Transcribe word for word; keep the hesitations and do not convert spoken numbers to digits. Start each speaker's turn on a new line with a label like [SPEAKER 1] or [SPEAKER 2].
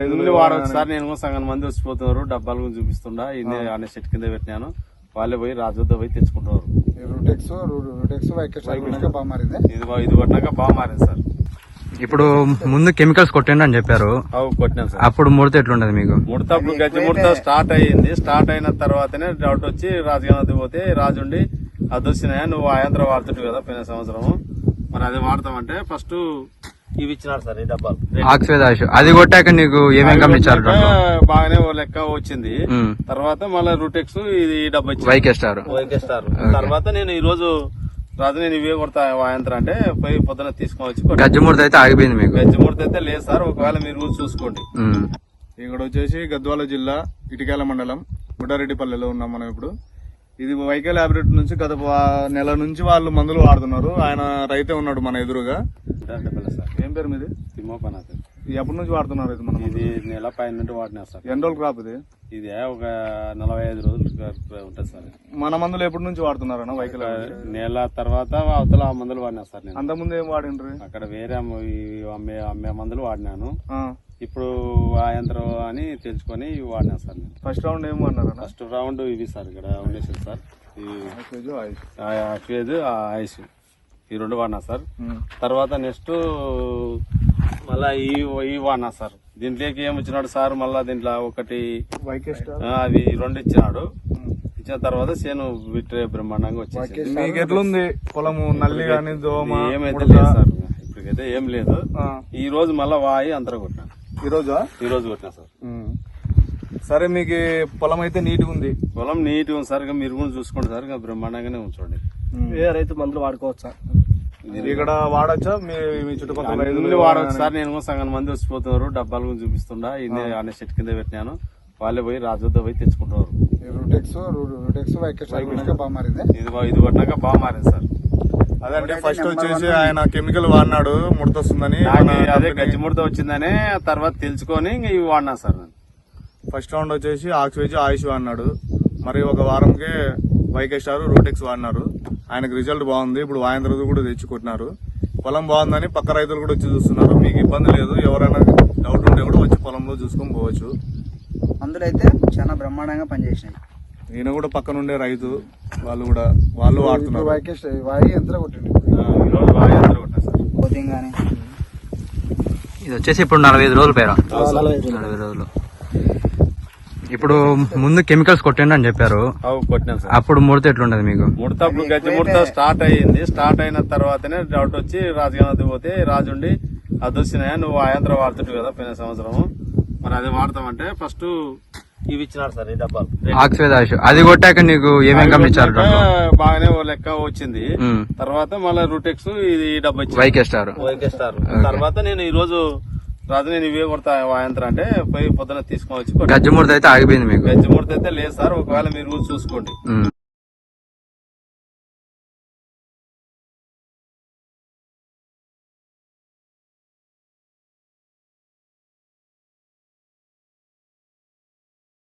[SPEAKER 1] వాడవచ్చు సార్. నేను సగం మంది వచ్చిపోతున్నారు, డబ్బాల గురించి చూపిస్తుండా ఇది అనే సెట్ కింద పెట్టినాను. వాళ్ళే పోయి రాజుద్ద పోయి తెచ్చుకుంటున్నారు. ఇది ఇది కొట్టినాక బాగా మారింది సార్.
[SPEAKER 2] ఇప్పుడు ముందు కెమికల్స్ కొట్టండి అని చెప్పారు,
[SPEAKER 1] కొట్టినాం సార్.
[SPEAKER 2] అప్పుడు ముడత ఎట్లుండదు మీకు?
[SPEAKER 1] ముడత అప్పుడు గజ్జి ముడత స్టార్ట్ అయ్యింది. స్టార్ట్ అయిన తర్వాతనే డౌట్ వచ్చి రాజుగానది పోతే రాజుండి అది వచ్చినాయా నువ్వు ఆయంత్రం వాడుతుంటు కదా పోయిన సంవత్సరం, మరి అది వాడతామంటే ఫస్ట్ ఇవి ఇచ్చినారు సార్. ఈ డబ్బాలు
[SPEAKER 2] ఆక్సిజన్ ఆయుష్ అది కొట్టాక నీకు ఏమేమి గమనించారు?
[SPEAKER 1] బాగానే లెక్క వచ్చింది. తర్వాత మళ్ళీ రూటెక్స్ ఇది డబ్బా ఇచ్చింది,
[SPEAKER 2] వైకే స్టార్
[SPEAKER 1] వైకే స్టార్. తర్వాత నేను ఈ రోజు రాజు నేను ఇవే కొడతా వాయంత్రం అంటే పోయి పొద్దున తీసుకొని వచ్చి
[SPEAKER 2] గజ్జిముడత అయితే ఆగిపోయింది మీకు?
[SPEAKER 1] గజ్జిముడత అయితే లేదు సార్, ఒకవేళ మీరు చూసుకోండి.
[SPEAKER 3] ఇక్కడ వచ్చేసి గద్వాల జిల్లా ఇటికేల మండలం బుడ్డారెడ్డిపల్లెలో ఉన్నాం మనం ఇప్పుడు. ఇది వైకే ల్యాబొరేటరీ నుంచి గత నెల నుంచి వాళ్ళు మందులు వాడుతున్నారు. ఆయన రైతే ఉన్నాడు మన ఎదురుగా. ఏం పేరు మీది?
[SPEAKER 1] తిమ్మోపనాథ్.
[SPEAKER 3] ఎప్పటి నుంచి వాడుతున్నారు ఇది? మనం
[SPEAKER 1] ఇది నెల పైన నుండి వాడినా సార్.
[SPEAKER 3] ఎన్ని రోజులు క్రాప్ ఇది?
[SPEAKER 1] ఇది ఒక నలభై ఐదు రోజులు ఉంటుంది సార్.
[SPEAKER 3] మన మందులు ఎప్పటి నుంచి వాడుతున్నారన్న వైకే?
[SPEAKER 1] నెల తర్వాత అవతల మందులు వాడినా సార్. నేను
[SPEAKER 3] అంత ముందు ఏం వాడిండ్రు?
[SPEAKER 1] అక్కడ వేరే అమ్మే అమ్మే మందులు వాడినాను. ఇప్పుడు ఆ యంత్రం అని తెలుసుకొని వాడినా సార్. నేను
[SPEAKER 3] ఫస్ట్ రౌండ్ ఏం వాడినారు?
[SPEAKER 1] ఫస్ట్ రౌండ్ ఇవి సార్ ఇక్కడ ఉండేసి సార్, అక్వేజ్ ఐస్ ఈ రెండు వాడినా సార్. తర్వాత నెక్స్ట్ మళ్ళా ఈ ఈ వాడినా సార్. దీంట్లోకి ఏమి ఇచ్చినాడు సార్, మళ్ళా దీంట్లో ఒకటి అవి రెండు ఇచ్చినాడు. ఇచ్చిన తర్వాత చేను విట్రే బ్రహ్మాండంగా వచ్చేసి.
[SPEAKER 3] మీకు ఎట్లుంది పొలము? నల్లి కానీ దోమ
[SPEAKER 1] ఏమైతే లేదు సార్, ఇప్పటికైతే ఏం లేదు. ఈ రోజు మళ్ళా వాయి అంతరం కొట్టినా.
[SPEAKER 3] ఈ రోజు
[SPEAKER 1] ఈ రోజు కొట్టినా సార్.
[SPEAKER 3] సరే, మీకు పొలం అయితే నీట్ గా ఉంది?
[SPEAKER 1] పొలం నీట్ గా ఉంది సార్. మీరు కూడా చూసుకోండి సార్, బ్రహ్మాండంగానే ఉంచండి.
[SPEAKER 4] ఏ రైతు మందులు వాడుకోవచ్చా?
[SPEAKER 3] ఇక్కడ వాడచ్చా? మీ చుట్టుపక్కల
[SPEAKER 1] వాడవచ్చు సార్. నేను సగం మంది వచ్చిపోతున్నారు, డబ్బాల గురించి చూపిస్తుండా ఇది అనే సెట్ కింద పెట్టినాను. వాళ్ళే పోయి రాజుద్ద పోయి తెచ్చుకుంటున్నారు. ఇది ఇది కొట్టినాక బాగా మారింది సార్.
[SPEAKER 3] అదంటే ఫస్ట్ వచ్చేసి ఆయన కెమికల్ వాడినాడు, ముడత వస్తుందని.
[SPEAKER 1] అదే గజ్జి ముడత వచ్చిందని తర్వాత తెలుసుకొని ఇవి వాడినా సార్.
[SPEAKER 3] ఫస్ట్ రౌండ్ వచ్చేసి ఆక్సివేజ్ ఆయుష్ వాడినాడు. మరి ఒక వారంకే వైకే స్టార్ రూటెక్స్ వాడినారు. ఆయనకు రిజల్ట్ బాగుంది. ఇప్పుడు వాయంత్ర కూడా తెచ్చి కొట్టినారు. పొలం బాగుందని పక్క రైతులు కూడా వచ్చి చూస్తున్నారు. మీకు ఇబ్బంది లేదు, ఎవరైనా డౌట్ ఉంటే కూడా వచ్చి పొలంలో చూసుకొని పోవచ్చు.
[SPEAKER 4] మందులు అయితే చాలా బ్రహ్మాండంగా పనిచేసినాయి.
[SPEAKER 3] ఈయన కూడా పక్కన ఉండే రైతు, వాళ్ళు కూడా వాళ్ళు వాడుతున్నారు.
[SPEAKER 2] ఇది వచ్చేసి ఇప్పుడు నలభై ఐదు రోజులు పేరా? నలభై రోజులు. ఇప్పుడు ముందు కెమికల్స్ కొట్టండి అని చెప్పారు,
[SPEAKER 1] కొట్టినాం సార్.
[SPEAKER 2] అప్పుడు ముడత ఎట్లుండదు మీకు?
[SPEAKER 1] ముడత అప్పుడు గజ్జి ముడత స్టార్ట్ అయ్యింది. స్టార్ట్ అయిన తర్వాతనే డౌట్ వచ్చి రాజుగానది పోతే రాజుండి అది వచ్చినాయా నువ్వు ఆ యంత్రం వాడుతుంటు కదా పోయిన సంవత్సరం, మరి అది వాడతామంటే ఫస్ట్ ఇవి ఇచ్చినారు సార్. ఈ డబ్బాలు
[SPEAKER 2] ఆక్సిజన్ ఆయుష్ అది కొట్టాక నీకు ఏమేమి గమనించారు?
[SPEAKER 1] బాగానే లెక్క వచ్చింది. తర్వాత మళ్ళీ రూటెక్స్ ఇది డబ్బా ఇచ్చింది,
[SPEAKER 2] వైకే స్టార్.
[SPEAKER 1] YK star. తర్వాత నేను ఈ రోజు రాజు నేను ఇవే కొడతా వాయంత్రం అంటే పోయి పొద్దున తీసుకొని వచ్చి.
[SPEAKER 2] గజ్జిముడత అయితే ఆగిపోయింది మీకు?
[SPEAKER 1] గజ్జిముడత అయితే లేదు సార్, ఒకవేళ మీరు చూసుకోండి.